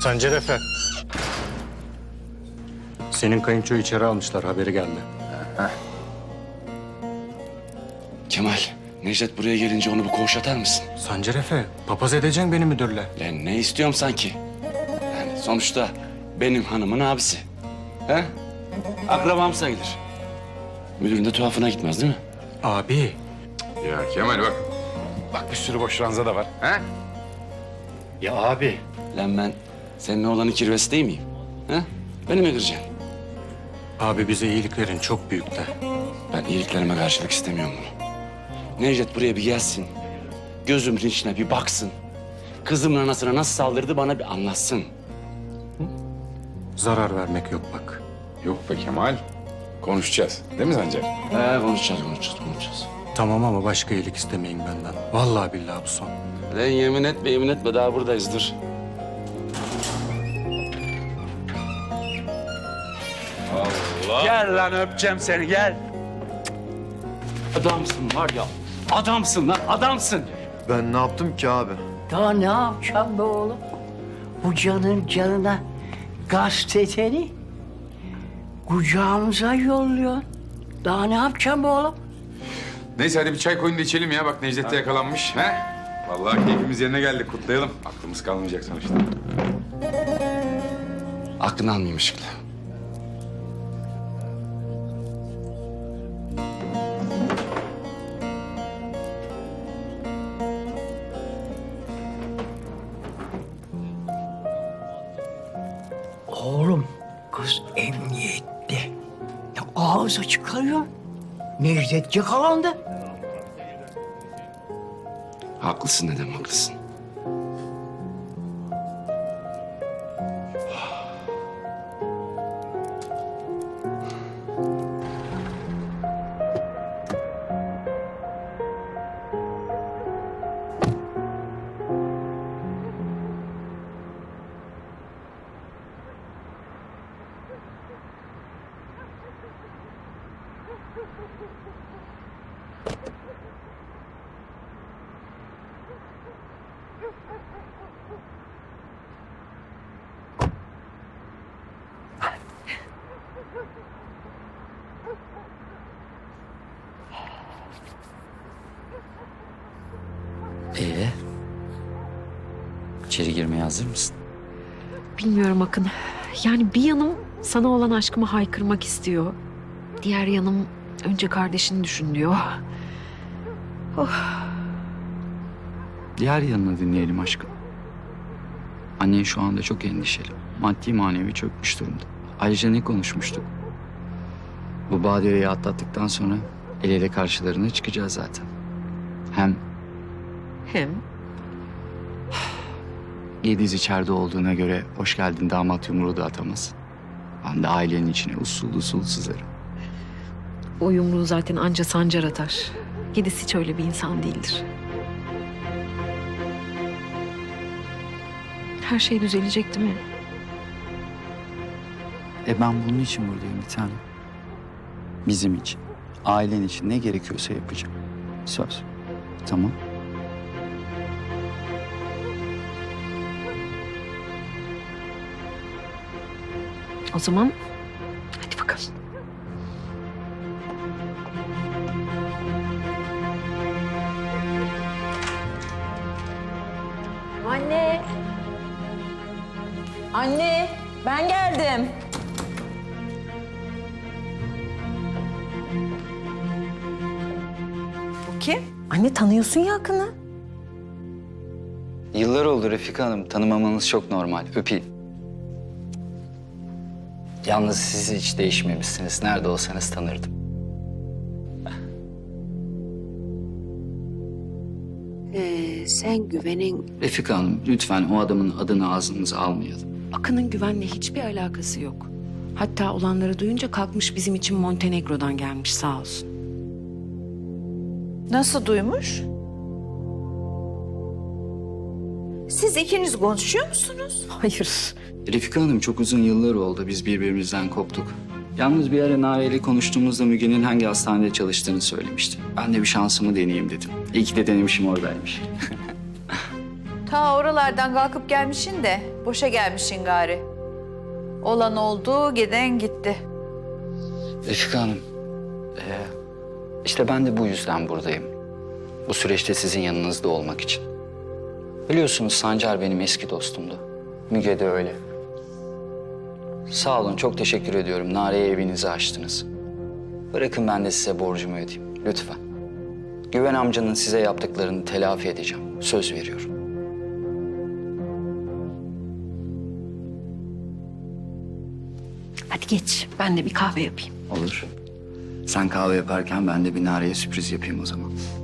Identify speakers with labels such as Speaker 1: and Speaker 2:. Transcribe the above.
Speaker 1: Sancar Efe. Senin kayınçoyu içeri almışlar, haberi geldi.
Speaker 2: Kemal, Necdet buraya gelince onu bir koğuş atar mısın?
Speaker 1: Sancar Efe, papaz edeceksin beni müdürle.
Speaker 2: Lan ne istiyorum sanki? Yani sonuçta benim hanımın abisi. He? Akrabam sayılır. Müdürün de tuhafına gitmez değil mi?
Speaker 1: Abi,
Speaker 3: Ya Kemal bak. Bak bir sürü boş ranza da var. Ha?
Speaker 1: ya abi.
Speaker 2: Lan ben senin oğlanın kirvesi değil miyim? He? Beni mi kıracaksın?
Speaker 1: Abi bize iyiliklerin çok büyük de.
Speaker 2: Ben iyiliklerime karşılık istemiyorum bunu. Necdet buraya bir gelsin. Gözümün içine bir baksın. Kızımın anasına nasıl saldırdı bana bir anlatsın.
Speaker 1: Zarar vermek yok bak.
Speaker 3: Yok be Kemal. Konuşacağız. Değil mi Sancar?
Speaker 2: Konuşacağız.
Speaker 1: Tamam ama başka iyilik istemeyin benden. Vallahi billahi bu son.
Speaker 2: Lan yemin etme daha buradayız dur.
Speaker 4: Gel lan öpeceğim seni gel.
Speaker 2: Adamsın var ya. Adamsın lan adamsın.
Speaker 5: Ben ne yaptım ki abi?
Speaker 6: Daha ne yapacağım be oğlum? Bu canın canına gazeteni kucağımıza yolluyor. Daha ne yapacağım be oğlum?
Speaker 3: Neyse hadi bir çay koyun da içelim ya. Bak Necdet de yakalanmış. Ha? Vallahi keyfimiz yerine geldi. Kutlayalım. Aklımız kalmayacak sonuçta.
Speaker 2: Aklını almayayım ışıkla.
Speaker 6: Oğlum kız emniyette. Ya ağzı çıkarıyor. Necdet yakalandı.
Speaker 2: Haklısın dedem haklısın.
Speaker 7: İçeri girmeye hazır mısın?
Speaker 8: Bilmiyorum Akın. Yani bir yanım sana olan aşkımı haykırmak istiyor. Diğer yanım önce kardeşini düşün diyor.
Speaker 7: Diğer yanını dinleyelim aşkım. Annen şu anda çok endişeli. Maddi manevi çökmüş durumda. Ayrıca ne konuşmuştuk? Bu badireyi atlattıktan sonra el ele karşılarına çıkacağız zaten. Hem
Speaker 8: Hem
Speaker 7: Yediz içeride olduğuna göre hoş geldin damat yumruğu da atamaz. Ben de ailenin içine usul usul sızarım.
Speaker 8: o yumruğu zaten anca Sancar atar. Yediz hiç öyle bir insan değildir. Her şey düzelecek değil mi?
Speaker 7: Ben bunun için buradayım bir tanem. Bizim için, ailen için ne gerekiyorsa yapacağım. Söz. Tamam.
Speaker 8: O zaman hadi bakalım.
Speaker 9: Anne. Anne, ben geldim. Bu kim? Anne tanıyorsun ya Akın'ı.
Speaker 7: Yıllar oldu Refika Hanım. Tanımamanız çok normal. Öpeyim. Yalnız siz hiç değişmemişsiniz. Nerede olsanız tanırdım.
Speaker 10: Sen güvenin...
Speaker 7: Refika Hanım lütfen o adamın adını ağzınıza almayalım.
Speaker 10: Akın'ın güvenle hiçbir alakası yok. Hatta olanları duyunca kalkmış bizim için Montenegro'dan gelmiş sağ olsun.
Speaker 9: Nasıl duymuş? Siz ikiniz konuşuyor musunuz?
Speaker 10: Hayır.
Speaker 7: Refika Hanım çok uzun yıllar oldu biz birbirimizden koptuk. Yalnız bir ara Nare ile konuştuğumuzda Müge'nin hangi hastanede çalıştığını söylemişti. Ben de bir şansımı deneyeyim dedim. İyi ki de denemişim oradaymış.
Speaker 9: Ta oralardan kalkıp gelmişsin de boşa gelmişsin gari. Olan oldu, giden gitti.
Speaker 7: Refika Hanım, işte ben de bu yüzden buradayım. Bu süreçte sizin yanınızda olmak için. Biliyorsunuz Sancar benim eski dostumdu. Müge de öyle. Sağ olun, çok teşekkür ediyorum. Nare'ye evinizi açtınız. Bırakın ben de size borcumu ödeyeyim, lütfen. Güven amcanın size yaptıklarını telafi edeceğim. Söz veriyorum.
Speaker 8: Hadi geç. Ben de bir kahve yapayım.
Speaker 7: Olur. Sen kahve yaparken ben de bir Nare'ye sürpriz yapayım o zaman.